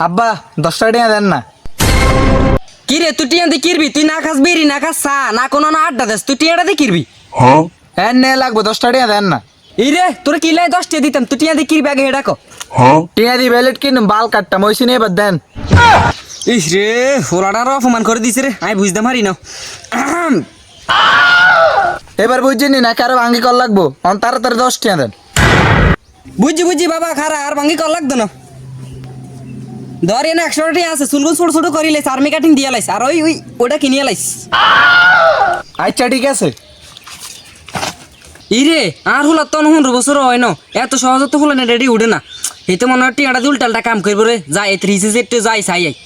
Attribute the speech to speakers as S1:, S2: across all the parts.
S1: আব্বা 10 টাকা দেন না।
S2: কি রে তুই টিয়া দিয়ে কিরবি? তুই না খাস বিড়ি না খাস চা না কোনো না আড্ডা দেস, তুই টিয়াটা দিয়ে কিরবি?
S1: হ্যাঁ নে লাগবো 10 টাকা দেন না।
S2: এই রে তোর কি লাই 10 টাকা দিতাম, তুই টিয়া দিয়ে কিরবি আগে হেডা কো।
S1: টিয়া দি ভ্যালেট কিনুম বাল কাটতাম ওইসি নিয়ে এবার দেন।
S2: ইস রে ফোলাটার অপমান করে দিছে রে, আমি বুঝতে পারি না।
S1: এবার বুঝছিনি না কারো ভাঙ্গি কল লাগবো তাড়াতাড়ি 10 টাকা দেন।
S2: বুঝছি বাবা খারা আর ভাঙ্গি কল লাগতো না। ধর এনে 100 টাকা আছে, চুলগুন ছোট ছোট করি লাইস, আর্মি কাটিং দিয়া লাইস, আর ওই ওটা কিনিয়ে লাইস।
S1: আচ্ছা ঠিক আছে।
S2: ইরে আর হুলা তো 15 বছর হয় না, এত সহজে তো হুলা রেডি উঠে না। এই তো মনে হয় টিয়াটা দিয়ে উল্টালটা কাম করবো রে, যাই এত রিসে একটু যাই চাই আই।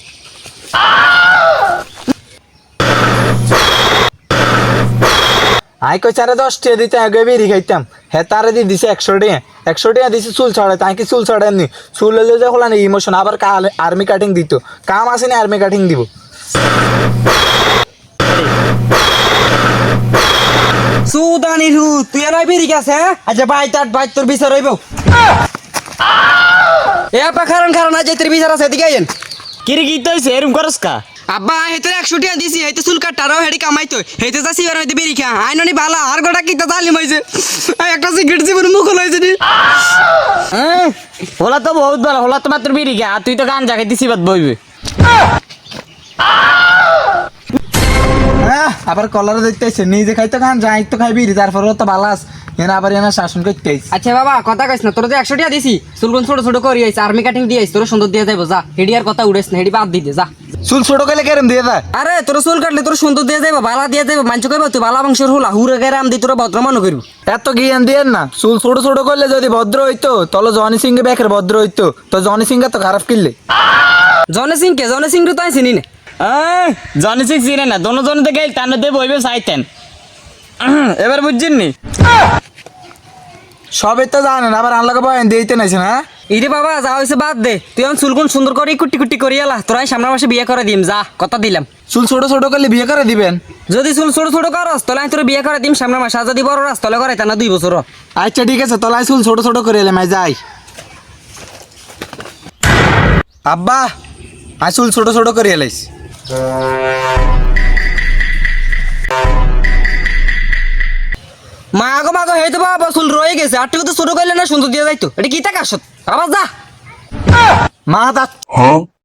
S1: আই কই চারে 10 টাকা দিতে আগে বেরি খাইতাম। হ্যাঁ তারে দি দিছে 100 টাকা। 100 টাকা দিছে চুল ছড়াই, তাই কি চুল ছড়ায়নি? চুল হলে যে হলা না ইমোশন আবার আর্মি কাটিং দিত। কাম আসেনি আর্মি কাটিং দিব।
S2: সুদানি হু তুই আর বেরি গেছে হ্যাঁ? আচ্ছা ভাই তোর বিচার হইব। এ আপা কারণ আজ তোর বিচার আছে, এদিকে আইন।
S3: কিরে কি হইছে এরকম করস কা?
S2: আব্বা হেতে 100 টাকা দিছি, হেতে চুল কাটারও হেডি কামাইতো, হেতে যাসি আর হেতে বেরি খা আইননি বালা আর গোটা কিতা জালিম হইছে। একটা সিগারেট জীবন মুখ হইছে নি।
S3: হোলা তো বহুত ভালো, হোলা তো মাত্র বিড়ি গা, তুই তো গান জাগাই দিছি বাদ বইবে।
S1: হ্যাঁ আবার কলার দেখতেছে নিজে খাইতো খান যাই তো খাইবি তারপরে তো বালাস এনা আবার এনা শাসন করতে আইছে।
S2: আচ্ছা বাবা কথা কইস না, তোর যে 100 টাকা দিছি চুলগুন ছোট ছোট করি আইছ, আর্মি কাটিং দিয়ে আইছ, তোর সুন্দর দিয়ে যাইবো যা, হেডি আর কথা উড়েছ না, হেডি বাদ দিতে যা।
S1: চুল ছোট গেলে কেরম দিয়ে দেয়?
S2: আরে তোর চুল কাটলে তোর সুন্দর দিয়ে যাইবো, বালা দিয়ে যাইবো, মানুষ কইবো তুই বালা বংশের হুলা হুরে গেরে আম দি তোর ভদ্র মানুষ করবি।
S1: এত জ্ঞান দিয়েন না। চুল ছোট ছোট করলে যদি ভদ্র হইতো তাহলে জনি সিং বেকের ভদ্র হইতো, তো জনি সিং তো খারাপ কিনলে।
S2: জনে সিং তো আমি চিনি না।
S3: জনি সিং চিনে না, দোনো জনতে গেল তার দিয়ে বইবে চাইতেন। এবার বুঝছেন নি?
S1: সবই তো জানেন আবার আনলাকে বয়ান দিতে নাইছেন। হ্যাঁ
S2: ইরে বাবা যা হইছে বাদ দে, তুই এখন চুলগুন সুন্দর করে কুটি কুটি করি এলা, তোরা সামনের মাসে বিয়ে করে দিম যা, কথা দিলাম।
S1: চুল ছোট ছোট করলে বিয়ে করে দিবেন?
S2: যদি চুল ছোট ছোট করস তাহলে আমি তোর বিয়ে করে দিম সামনের মাসে, আর যদি বড় রাস তাহলে করে তা না 2 বছর।
S1: আচ্ছা ঠিক আছে তলায় চুল ছোট ছোট করে এলাম যাই। আব্বা আই চুল ছোট ছোট করে এলাইছি।
S2: মাগো হয়তো বাবা চুল রয়ে গেছে, আর তো ছোট করলে না সুন্দর দিয়ে যাইতো, এটা কি তা কাশত আবার যা।
S1: মা তা